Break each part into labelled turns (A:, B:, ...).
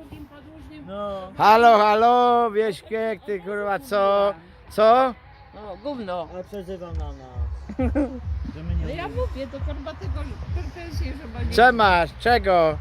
A: No,
B: Halo, halo, Wieśkiek, ty kurwa co? Co?
C: No, gówno.
A: ale przezywa na nas. Że my nie
C: No ja
A: umiemy.
C: mówię, to kurwa tego pretensje, że ma nie...
B: Co masz? Czego?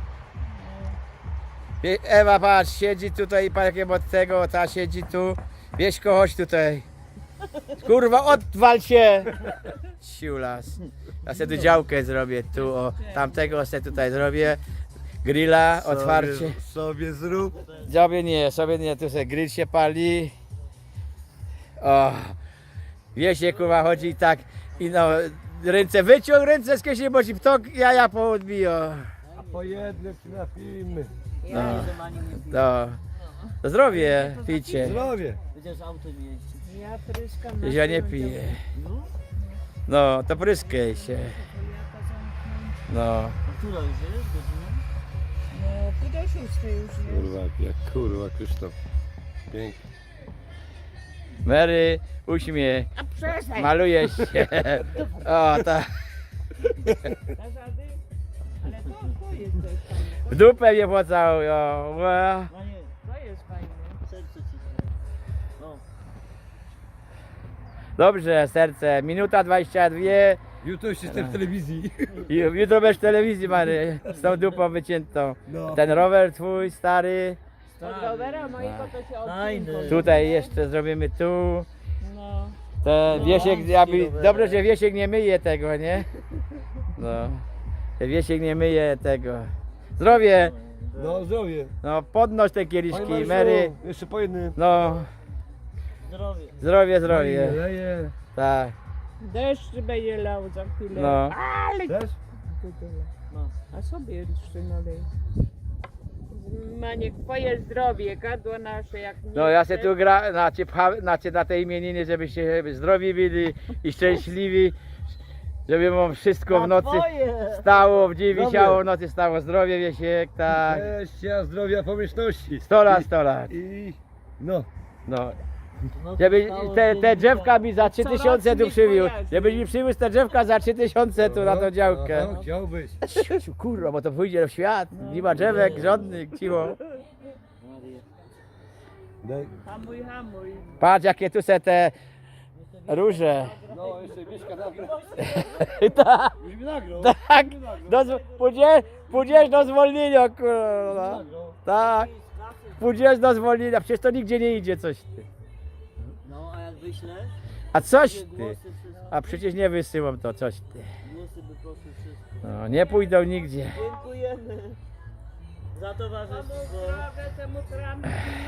B: Ewa, patrz, siedzi tutaj, parkiem od tego, ta siedzi tu. Wieśko, chodź tutaj. Kurwa, odwal się! Siulas. Ja sobie tu działkę zrobię, tu, o, tamtego sobie tutaj zrobię. Grilla, otwarcie.
D: Sobie zrób.
B: Sobie nie, tu sobie grill się pali. O, Wiesiek kurwa chodzi i tak, i no, ręce, wyciąg ręce z kieszeni, bo ci ptok jaja poodbiją.
D: A po jednym trafimy.
A: Ja nie że Maniu nie piję.
B: No, to zdrowie, pijcie.
D: Zdrowie.
A: Chociaż autem jeździ.
C: Ja pryskam na
B: Ja nie
C: tył,
B: piję.
A: No,
B: No, to pryskaj się. No,
A: a która już jest godzina?
C: No, pół do 6 już jest.
D: Kurwa, jak kurwa Krzysztof. Pięknie.
B: Mary, uśmiech,
C: A przestań!
B: maluje się. O, tak.
C: Zasady? Ale to jest też fajne.
B: W dupę mnie pocałuj, o. Ła.
A: Maniu,
C: To jest fajne.
A: serce ci. No,
B: Dobrze, serce, minuta 22.
D: Jutro już jestem w telewizji.
B: Jutro będziesz w telewizji, Mary, z tą dupą wyciętą.
D: No.
B: Ten rower twój, stary.
C: Od rowera mojego to się
A: Fajny.
C: odcinko.
B: Tutaj jeszcze zrobimy tu.
C: No.
B: Ten
A: No,
B: Wiesiek,
A: rower.
B: dobrze, że Wiesiek nie myje tego, nie? No. Ten Wiesiek nie myje tego. Zdrowie!
D: No zdrowie.
B: No podnoś te
D: Panie
B: kieliszki,
D: Marszu,
B: Mary.
D: jeszcze po jednym.
B: No,
A: Zdrowie.
B: zdrowie, zdrowie.
D: Leje.
B: Tak,
C: Deszcz będzie lał za chwilę.
B: no.
C: Ale
D: Też?
A: No.
C: a sobie jeszcze nalej. Maniek, twoje zdrowie, gadło nasze jak nie
B: No ja se
C: chcesz.
B: tu gra, na te imieniny, żebyście zdrowi byli i szczęśliwi. Żeby wam wszystko w nocy
A: Twoje.
B: stało, w dzień
D: Zdrowie.
B: wisiało, w nocy stało. Zdrowie, Wiesiek, tak.
D: Szczęścia, zdrowia, pomyślności.
B: 100 lat, 100 lat.
D: I no.
B: No.
A: No,
B: Żeby
A: zostało
B: te
A: zdrowie.
B: drzewka mi za 3000 tu
C: nie
B: przywiózł.
C: kojarzy.
B: Żebyś mi przywiózł te drzewka za 3000 tu na tą działkę.
D: Aha, chciałbyś.
B: Ciu, kurwa, bo to pójdzie w świat. Nie ma drzewek żadnych, cicho.
A: Maria.
D: Daj.
C: Hamuj, hamuj.
B: Patrz jakie tu se te róże.
D: No jeszcze Mieszka nagra.
B: Tak,
D: Już mi nagrał.
B: tak. Pójdziesz do zwolnienia, kurwa. Tak. Pójdziesz do zwolnienia, przecież to nigdzie nie idzie coś ty.
A: No, a jak wyślesz?
B: A coś
A: Głosy
B: ty.
A: wszystko.
B: A przecież nie wysyłam to, coś ty.
A: Głosy by poszły wszystko.
B: No, nie pójdą nigdzie.
A: Dziękujemy za towarzystwo.
C: Zdrowe temu trampi.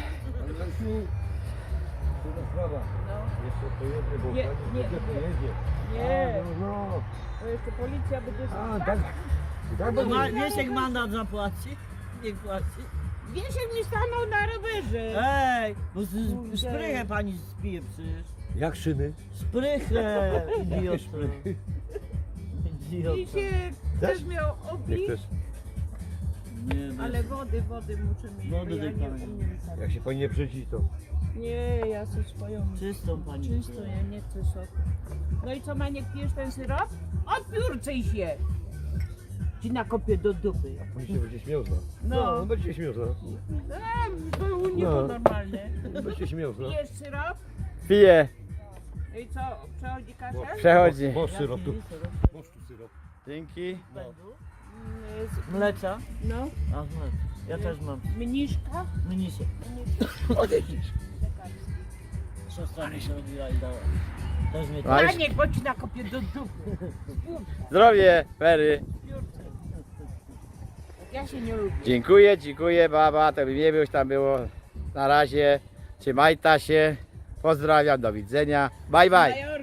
D: Sprawa.
C: No.
D: Jeszcze po jednym, bo
C: Nie,
D: pani
C: nie,
D: nie jedzie.
C: Nie,
D: No.
C: bo jeszcze policja będzie...
D: A, tak. Tak
A: No,
D: będzie.
A: Wiesiek mandat zapłaci? Nie płaci.
C: Wiesiek mi stanął na rowerze.
A: Ej, bo sprychę pani spije przecież.
D: Jak szyny?
A: Sprychę, idioto. Idioto.
C: Wiesiek też miał
D: Jak
C: obić,
D: też.
A: Nie,
C: ale wody muszę mieć,
A: Wody
C: bo ja nie
A: wypalę.
C: umiem tak.
D: Jak się pani nie brzydzi, to.
C: Nie, ja sobie swoją...
A: czystą pani.
C: Czysto, ja nie chcę soku. No i co, Maniek, pijesz ten syrop? Odpiórczyj się! Ci nakopię do dupy.
D: Pani się będzie śmiał z nas.
C: No.
D: No, będzie się śmiał z nas.
C: To u niego
D: No.
C: normalne.
D: Będzie się śmiał z nas.
C: Pijesz syrop?
B: Piję,
C: No i co, przechodzi kaszel?
B: przechodzi.
D: Bo syrop tu. Masz tu syrop.
B: Dzięki.
A: Mlecza?
C: No,
A: A, mlecza. Ja też mam.
C: mniszka?
A: Mnisie. Siostra mi się robiła i dała. Też mnie
B: A już-
C: Maniek, bo ci nakopię do dupy.
B: Zdrowie, Fery.
C: Ja się nie lubię.
B: Dziękuję, baba, to by nie było, tam było. Na razie, trzymajta się. Pozdrawiam, do widzenia. Bye, bye.
C: Major.